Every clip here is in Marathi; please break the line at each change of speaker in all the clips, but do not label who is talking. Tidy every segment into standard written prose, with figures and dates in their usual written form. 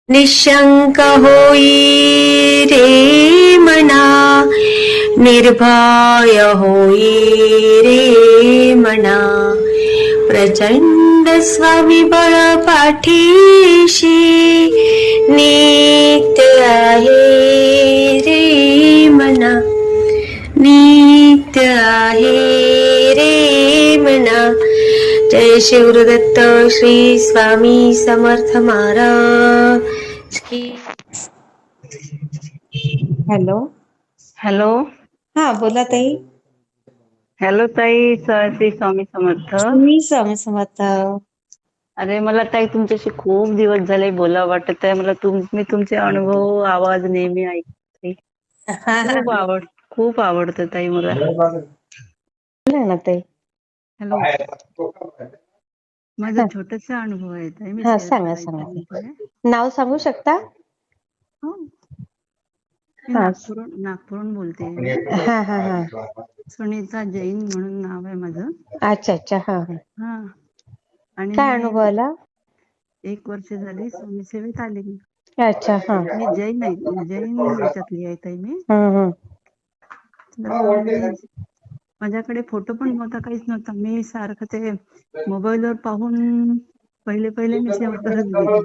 निशंक होई रे मना, निर्भय होई रे मना, प्रचंड स्वविबळ पाठीशी नित्य आहे रे मना, नित्य आहे रे मना. जय शिवदत्त श्री स्वामी समर्थ महाराज की.
हॅलो.
हॅलो.
हा बोला ताई.
हॅलो ताई, श्री स्वामी समर्थ.
मी स्वामी समर्थ.
अरे मला ताई तुमच्याशी खूप दिवस झाले बोला वाटत आहे मला. मी तुमचे अनुभव आवाज नेहमी ऐकते. खूप आवडतं ताई मला.
ना ताई.
हॅलो. माझा छोटासा अनुभव आहे ताई. मी
सांगा सांगा. नाव सांगू शकता?
हो. नागपूरहून बोलते.
हा हा हा.
सुनीता जैन म्हणून नाव आहे माझं.
अच्छा अच्छा. हा
हा. आणि
काय अनुभव आला?
1 वर्ष झाली स्वामी सेवेत आले मी.
अच्छा. हा.
मी जैन याच्यातली आहे ताई मी. माझ्याकडे फोटो पण नव्हता, काहीच नव्हता. मी सारखं ते मोबाईलवर पाहून पहिले मी सेवा करत गेली.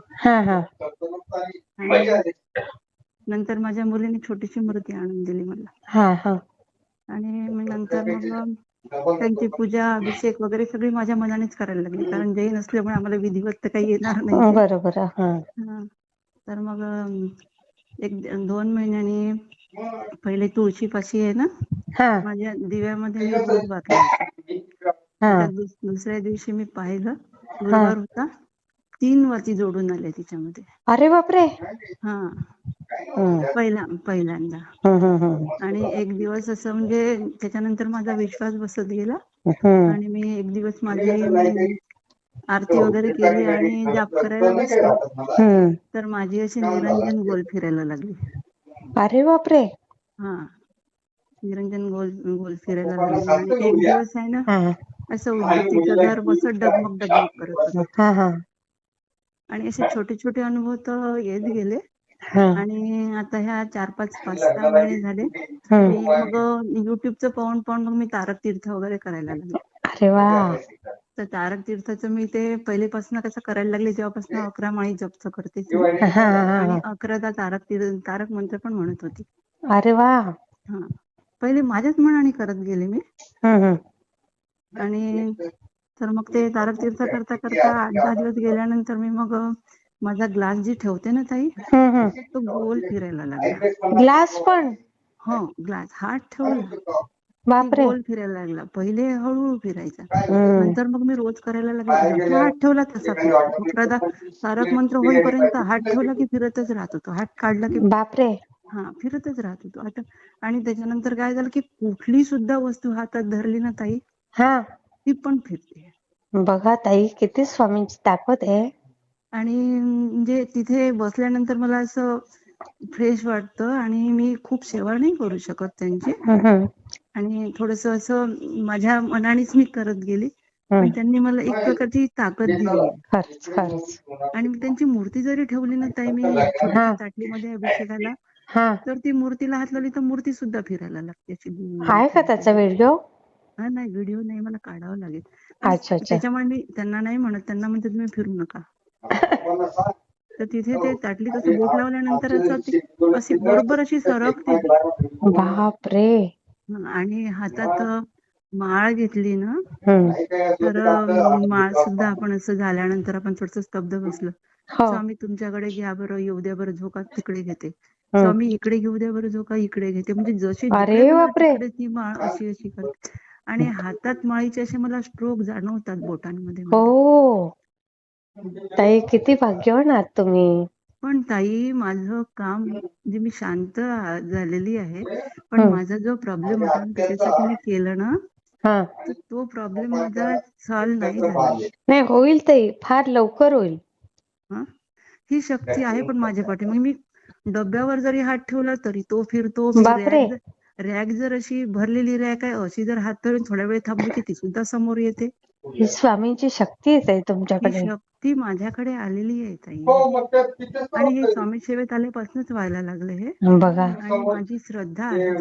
आणि नंतर माझ्या मुलीने छोटीशी मूर्ती आणून दिली मला. आणि नंतर मग त्यांची पूजा अभिषेक वगैरे सगळी माझ्या मनानेच करायला लागली, कारण जैन असल्यामुळे आम्हाला विधिवत तर काही येणार नाही.
बरोबर.
तर मग 1-2 महिन्यांनी पहिले तुळशीपाशी आहे ना, माझ्या दिव्यामध्ये मी रोज वात लावायचे. दुसऱ्या दिवशी मी पाहिलं, गुरुवार होता, 3 वाती जोडून आले तिच्यामध्ये.
अरे बापरे.
पहिल्यांदा. आणि एक दिवस असं म्हणजे त्याच्यानंतर माझा विश्वास बसत गेला. आणि मी एक दिवस माझी आरती वगैरे केली आणि जाप करायला बसली, तर माझी अशी निरंजन गोल फिरायला लागली.
अरे बापरे.
निरंजन गोल फिरायला लागली. आणि एक दिवस आहे ना, असं उद्बत्तीचं घर बसत डगमग करत होतं. आणि असे छोटे छोटे अनुभव तर येत गेले. आणि आता ह्या 5-6 महिने झाले मी मग युट्यूबचं पाहून मग मी तारक तीर्थ वगैरे करायला लागले.
अरे वा.
तर तारक तीर्थाचं मी ते पहिलेपासून कसं करायला लागले, तेव्हापासून 11 माळी जपचं करते आणि 11दा तारक मंत्र पण म्हणत होती.
अरे वा.
पहिले माझ्याच मनाने करत गेले मी. आणि तर मग ते तारक तीर्थ करता 8-10 दिवस गेल्यानंतर मी मग माझा ग्लास जी ठेवते ना ताई, तो गोल फिरायला लागला.
ग्लास पण?
हो, ग्लास हात ठेवला की गोल फिरायला लागला. पहिले हळूहळू फिरायचा, नंतर मग मी रोज करायला लागले. जसा हात ठेवला तसा फिरायचा. तारक मंत्र होईपर्यंत हात ठेवला की फिरतच राहत होतो, हात काढला की
बापरे
फिरतच राहत होतो. आता आणि त्याच्यानंतर काय झालं की कुठली सुद्धा वस्तू हातात धरली ना ताई, ती पण फिरते.
बघा ताई, किती स्वामींची ताकद आहे.
आणि म्हणजे तिथे बसल्यानंतर मला असं फ्रेश वाटतं. आणि मी खूप सेवा नाही करू शकत त्यांची, आणि थोडस असं माझ्या मनानेच मी करत गेली, पण त्यांनी मला एक प्रकारची ताकद दिली. आणि त्यांची मूर्ती जरी ठेवली ना ताई मी छोट्याशा ताटलीमध्ये अभिषेकाला, तर ती मूर्तीला हात लावली तर मूर्ती सुद्धा फिरायला लागते.
आहे का त्याचा व्हिडिओ?
नाही, व्हिडिओ नाही, मला काढावं लागेल. त्याच्यामुळे मी त्यांना नाही म्हणत, त्यांना म्हणते तुम्ही फिरू नका. तर तिथे ते ताटलीत असं बोट लावल्यानंतर अशी बरोबर अशी सरकते.
बापरे.
आणि हातात माळ घेतली ना, तर माळ सुद्धा आपण असं झाल्यानंतर आपण थोडस स्तब्ध बसलं, स्वामी तुमच्याकडे घ्या बरं, येऊ द्या बरं, झोका तिकडे घेते. स्वामी इकडे घेऊ द्या बरं, झोका इकडे घेते. म्हणजे जशी तिकडे ती माळ अशी करते. आणि हातात माळीचे असे मला स्ट्रोक जाणवतात बोटांमध्ये.
ताई, किती भाग्यवान आहात तुम्ही.
पण ताई, माझं काम म्हणजे मी शांत झालेली आहे, पण माझा जो प्रॉब्लेम होता ना, त्याच्यासाठी मी केलं ना, तर तो प्रॉब्लेम माझा सॉल्व्ह नाही झाला.
नाही, होईल ताई, फार लवकर होईल.
ही शक्ती आहे पण माझ्या पाठी. मग मी डब्यावर जरी हात ठेवला तरी तो फिरतो. रॅक जर अशी भरलेली रॅक आहे, अशी जर हात धरून थोड्या वेळ थांबली की ती सुद्धा समोर येते.
ही स्वामींची शक्ती आहे ताई
ही
तुमच्याकडे.
शक्ती माझ्याकडे आलेली आहे ताई. आणि हे स्वामी सेवेत आल्यापासूनच व्हायला लागले हे.
बघा.
आणि माझी श्रद्धा आहे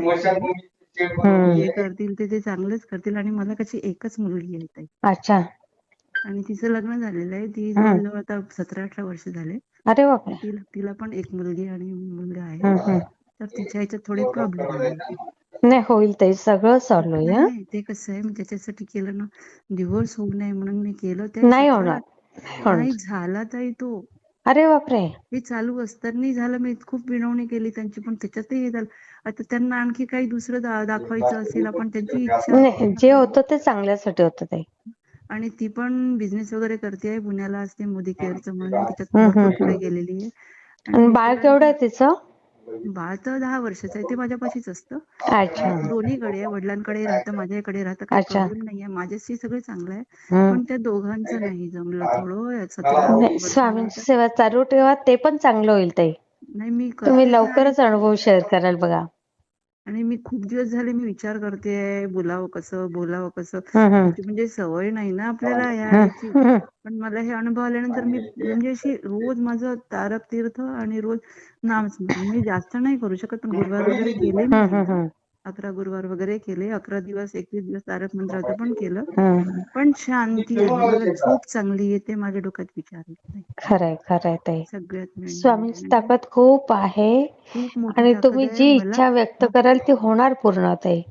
ताई. जे करतील ते चांगलंच करतील. आणि मला कशी एकच मुलगी आहे ताई.
अच्छा.
आणि तिचं लग्न झालेलं आहे. ती जवळजवळ आता 17-18 वर्ष झाले.
अरे बापरे.
तिला पण एक मुलगी आणि मुलगा आहे. तर तिच्या ह्याच्यात थोडे प्रॉब्लेम आले.
नाही होईल ताई, सगळं सॉल्व्ह होईल.
नाही, ते कसं आहे, मी त्याच्यासाठी केलं ना, डिव्होर्स होऊ नये म्हणून मी केलं.
नाही होणार.
नाही झाला ताई तो.
अरे बापरे.
हे चालू असताना झालं. मी खूप विनवणी केली त्यांची, पण त्याच्यातही हे झालं. आता त्यांना आणखी काही दुसरं दाखवायचं असेल, आपण त्यांची इच्छा.
नाही, जे होतं ते चांगल्यासाठी होतं ताई.
आणि ती पण बिझनेस वगैरे करते, पुण्याला असते, मोदी केअरचं म्हणून त्याच्यात भरपूर पुढे गेलेली आहे.
आणि बाळ केवढं आहे तिचं?
बाळ तर 10 वर्षाचं आहे. ते माझ्यापाशीच असतं.
अच्छा.
दोन्हीकडे आहे, वडिलांकडे राहतं, माझ्याकडे राहतं. काही प्रॉब्लेम नाहीये. माझ्याशी सगळं चांगलं आहे. पण त्या दोघांचं नाही जमलं थोडं. 17
स्वामींची सेवा चालू ठेवा, ते पण चांगलं होईल ताई.
नाही, मी
तुम्ही लवकरच अनुभव शेअर कराल बघा.
आणि मी खूप दिवस झाले मी विचार करते, बोलावं कसं. म्हणजे सवय नाही ना आपल्याला याची. पण मला हे अनुभव आल्यानंतर मी म्हणजे अशी रोज माझं तारक तीर्थ आणि रोज नामस्मरण. मी जास्त नाही करू शकत, पण गुरुवार वगैरे केले मी. 11 गुरुवार वगैरे केले. 11 दिवस 21 दिवस तारक मंत्राचं पण केलं. पण शांती आहे. मला झोप चांगली येते. माझ्या डोक्यात विचार येत नाही.
खरंय ताई.
सगळ्यात
स्वामींची ताकद खूप आहे. आणि तुम्ही जी इच्छा व्यक्त कराल ती होणार पूर्ण ताई.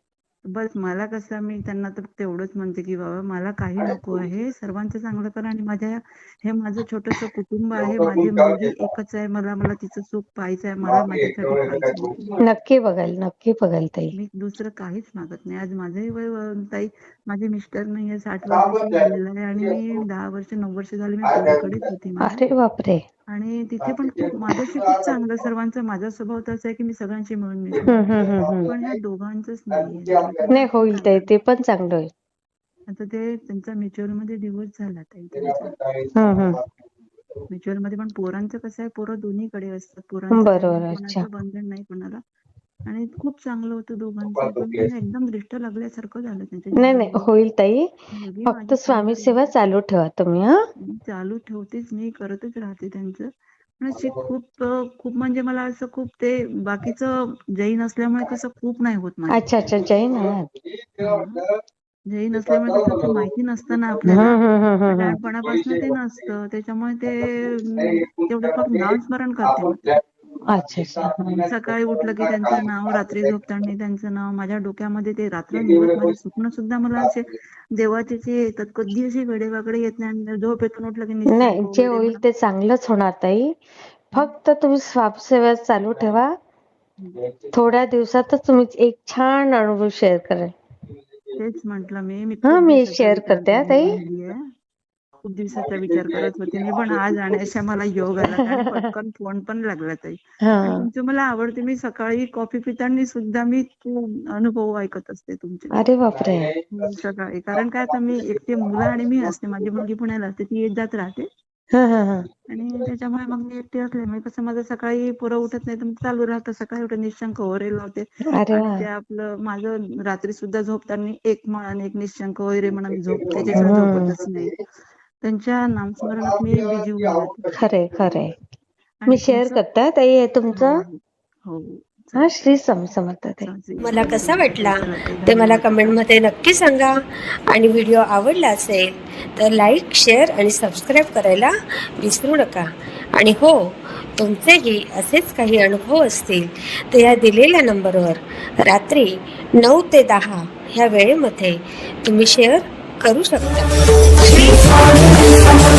बस मला कसं, मी त्यांना तर तेवढंच म्हणते की बाबा मला काही नको आहे, सर्वांचं चांगलं करा. आणि हे माझं छोटस कुटुंब आहे. माझी मुलगी एकच आहे. मला तिचं सुख पाहायचं आहे. मला माझ्यासाठी पाहिजे.
नक्की बघाल ताई.
मी दुसरं काहीच मागत नाही. आज माझंही वय ताई, माझे मिस्टर नाहीये, 60 वर्षाचे झालेलं आहे. आणि मी 10 वर्ष 9 वर्ष झाले मी पुण्याकडेच होती.
अरे बापरे.
आणि तिथे पण माझ्याशी खूप चांगलं सर्वांचं. माझा स्वभाव तसा आहे की मी सगळ्यांशी मिळून मिसळते. पण ह्या दोघांचंच
नाही होईल ताई, ते पण चांगलं होईल.
आता ते त्यांचा म्युच्युअल मध्ये डिव्होर्स झाला ताई त्यांचा. म्युच्युअल मध्ये पण पोरांचं कसं आहे, पोरं दोन्हीकडे असतात. पोरांचं कोणाचं बंधन नाही कोणाला. आणि खूप चांगलं होतं दोघांचं. पण एकदम दृष्ट लागल्यासारखं झालं त्यांच्या.
नाही होईल ताई. फक्त स्वामी सेवा चालू ठेवा तुम्ही.
चालू ठेवतेच, मी करतच राहते त्यांचं. पण अशी खूप म्हणजे मला असं खूप ते बाकीचं जैन असल्यामुळे कसं खूप नाही होत मला.
अच्छा जैन
जैन असल्यामुळे कसं माहिती नसतं ना आपल्याला. लहानपणापासून ते नसतं, त्याच्यामुळे ते तेवढं फक्त नामस्मरण करते.
अच्छा.
सकाळी उठलं की त्यांचं नाव, रात्री झोपताना त्यांचं नाव. माझ्या डोक्यामध्ये ते रात्र निवत माझे स्वप्न सुद्धा मला असे देवाचे येतात. कधी असे वेडेवाकडे येत नाही. झोप येतून उठलं की
नाही, जे होईल ते चांगलंच होणार ताई. फक्त तुम्ही स्वामी सेवा चालू ठेवा. थोड्या दिवसातच तुम्ही एक छान अनुभव शेअर कराल.
तेच म्हटलं
मी शेअर करते ताई.
खूप दिवसाचा विचार करत होते मी, पण आज आणण्याचा मला योग आला. पटकन फोन पण लागला ताई. तुमचं मला आवडते. मी सकाळी कॉफी पिताना सुद्धा मी अनुभव ऐकत असते तुमचे.
अरे बापरे.
सकाळी. कारण काय, आता मी एकटी मुलं आणि मी असते. माझी मुलगी पुण्याला असते, ती येत जात राहते. आणि त्याच्यामुळे मग मी एकटी असल्यामुळे कसं माझं सकाळी पोरं उठत नाही तर मग चालू राहतं. सकाळी उठत निशंक वगैरे लावते. आणि ते आपलं माझं रात्री सुद्धा झोपताना एक म्हण एक निशंक वगैरे म्हणा मी त्याच्याशिवाय झोपतच नाही. त्यांच्या नामस्मरणात मी बिजी होऊन जाते.
खरे मी शेअर करते ताई हे तुमचं.
हो.
श्री स्वामी समर्थ.
मला कसा वाटला ते मला कमेंटमध्ये नक्की सांगा. आणि व्हिडिओ आवडला असेल तर लाईक, शेअर आणि सबस्क्राईब करायला विसरू नका. आणि हो, तुमचेही असेच काही अनुभव असतील तर या दिलेल्या नंबरवर रात्री 9 ते 10 ह्या वेळेमध्ये तुम्ही शेअर करू शकता.